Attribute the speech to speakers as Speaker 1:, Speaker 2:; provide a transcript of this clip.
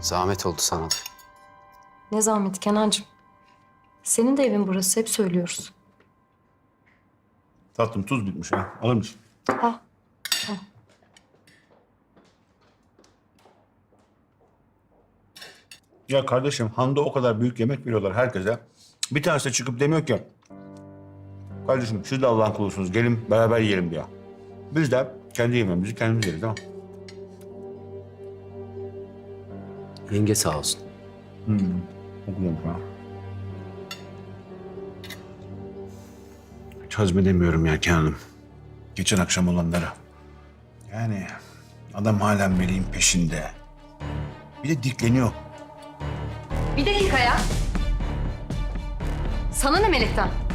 Speaker 1: Zahmet oldu sana da.
Speaker 2: Ne zahmet Kenancığım. Senin de evin burası, hep söylüyoruz.
Speaker 3: Tatlım tuz bitmiş ha. Alır mısın?
Speaker 2: Ha.
Speaker 3: Ya kardeşim Han'da o kadar büyük yemek veriyorlar herkese. Bir tanesi de çıkıp demiyor ki... Kardeşim siz de Allah'ın kulusunuz. Gelin beraber yiyelim diyor. Biz de kendi yemeğimizi kendimiz yeriz değil mi?
Speaker 1: Yenge sağ olsun.
Speaker 3: Okuyorum ha. Hiç hazmedemiyorum ya Hanım. Geçen akşam olanları. Yani adam hala Melih'in peşinde. Bir de dikleniyor.
Speaker 2: Bir dakika ya. Sana ne Melek'ten?